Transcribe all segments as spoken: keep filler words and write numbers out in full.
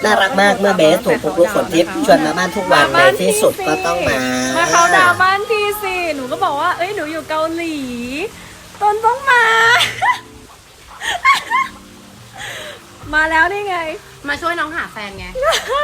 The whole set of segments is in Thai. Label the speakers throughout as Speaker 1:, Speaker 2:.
Speaker 1: น่ารักมากเมื่อเบสถูกปุ๊กลุกฝนทิพย์ชวนมาบ้านทุกวันในที่สุดก็ต้องมา
Speaker 2: มาเขาดาวบ้านพี่สิหนูก็บอกว่าเอ้ยหนูอยู่เกาหลีต้นต้องมา มาแล้วนี่ไง
Speaker 3: มาช่วยน้องหาแฟนไง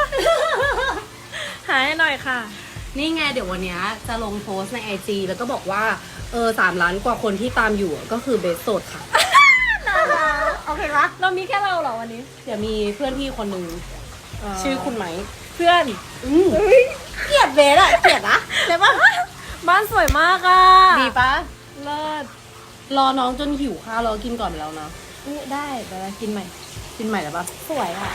Speaker 2: หาให้หน่อยค่ะ
Speaker 3: นี่ไงเดี๋ยววันนี้จะลงโพสต์ในไอจีแล้วก็บอกว่าเออสามล้านกว่าคนที่ตามอยู่ก็คือเบสโสดค่ะ
Speaker 2: โอเคปะเรามีแค่เราเหรอวันนี้
Speaker 3: เดี๋ยวมีเพื่อนพี่คนหนึ่งชื่อคุณไหม
Speaker 2: เพื่อน
Speaker 3: อืมเกลียดเบสอะเกลียดนะใช่ปะ
Speaker 2: บ้านสวยมากอ่ะ
Speaker 3: ดีปะ
Speaker 2: เลิศ
Speaker 3: รอน้องจนหิวข้าวเรากินก่อนไปแล้วนะ
Speaker 2: ได้เดี๋ยวเรากินใหม่
Speaker 3: กินใหม่แล้วปะ
Speaker 2: สวยอ่ะ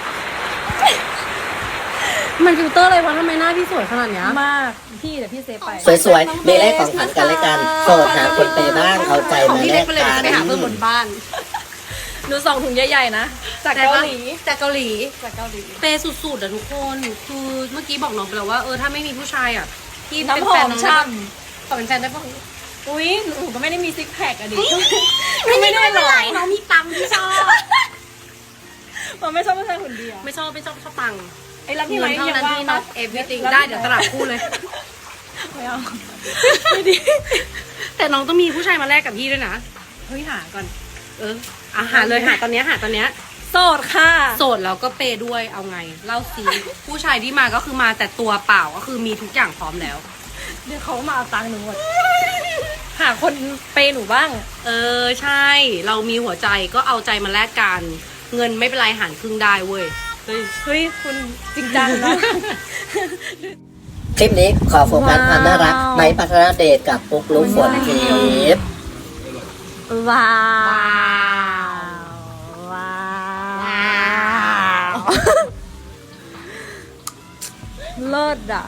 Speaker 3: มันฟิลเตอร์อะไรวะทำไมหน้าพี่สวยขนาดนี้
Speaker 2: มากพี่เดี๋ยวพี่เซฟไป
Speaker 1: สวยๆมีแลกของขวัญกันและกันโสดหาคนเปย์บ้างเอาใจมาแลกกัน
Speaker 3: ไปหาเพื่อนบนบ้าน
Speaker 2: หนูส่งถุงใหญ่ๆนะจากเกาหลี
Speaker 3: จากเกาหลี
Speaker 2: จากเกาหลี
Speaker 3: เปย์สุดๆอะทุกคนคือเมื่อกี้บอกน้องไปแล้วว่าเออถ้าไม่มีผู้ชายอะที่
Speaker 2: เป็นแฟนน้องช่
Speaker 3: ำขอเป็นแฟนได้ปะ
Speaker 2: อุ้ยหนูก็ไม่ได้มีซิกแพคอะดิ
Speaker 3: ไม่ได้หรอน้องมีตังที่ชอบ
Speaker 2: มันไม่ชอบผู้ชายคนเดียว
Speaker 3: ไม่ชอบไม่ชอบชอบตัง
Speaker 2: ไอ้รักที่ไหน
Speaker 3: เท่านั้นที่ not everything ได้เดี๋ยวตลับคู่เลย
Speaker 2: ไม่เอาไม่ดี
Speaker 3: แต่น้องต้องมีผู้ชายมาแลกกับพี่ด้วยนะ
Speaker 2: เฮ้ยหาก่อน
Speaker 3: เอออาหาเลยหาตอนนี้หาตอนนี้
Speaker 2: โสดค่ะ
Speaker 3: โสดแล้วก็เปย์ด้วยเอาไงเล่าซีผู้ชายที่มาก็คือมาแต่ตัวเปล่าก็คือมีทุกอย่างพร้อมแล้ว
Speaker 2: เดี๋ยวเขามาเอาตังค์หนูหมดหาคนเปย์หนูบ้าง
Speaker 3: เออใช่เรามีหัวใจก็เอาใจมาแลกกันเงินไม่เป็นไรหารครึ่งได้เว้ย
Speaker 2: เฮ้ยเฮ้ยคุณจริงจังนะ
Speaker 1: คลิปนี้ขอโฟกัสความน่ารักไม้พัฒนาเดชกับปุ๊กลุกฝนทิพย์
Speaker 2: ว้าวว้าวเลิศอ่ะ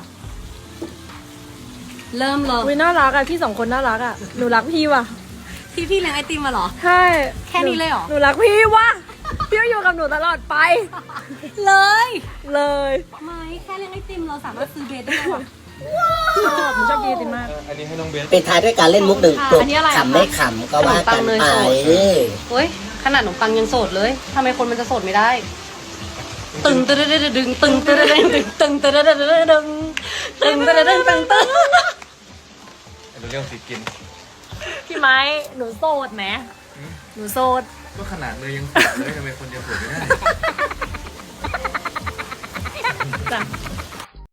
Speaker 3: เริ่มเลย
Speaker 2: วิน่ารักอ่ะพี่สองคนน่ารักอ่ะหนูรักพี่ว่ะ
Speaker 3: พี่พี่เลี้ยงไอติมมาหรอ
Speaker 2: ใช่
Speaker 3: แค่นี้เลยหรอ
Speaker 2: หนูรักพี่ว่ะพี่อยู่กับหนูตลอดไป
Speaker 3: เลย
Speaker 2: เลย
Speaker 3: ไม่แค่เลี้ยงไอติมเราสามารถซื้อเบสได้หรอ
Speaker 2: ชอบหนูชอบกินไอติมมาก
Speaker 4: อันนี้ให้น้องเบส
Speaker 1: ปิดท้ายด้วยการเล่นมุกหนึ่งกลุ่มขำไม่ขำก็ว่ากันไป
Speaker 3: เฮ้ยขนาดขนมปังยังโสดเลยทำไมคนมันจะโสดไม่ได้ตึงตึงตึงตึงตึงตึงตึงตึงตึงตึงตึงตึงตึงตึงตึงตึงตึงตึง
Speaker 4: เรื่องสิกิน
Speaker 2: พี่ไม้หนูโสดไหมหนูโสด
Speaker 4: ก็ขนาดเลยยังโสดเลยทำไมคนจะโสดไม่ได้
Speaker 2: จ้ะ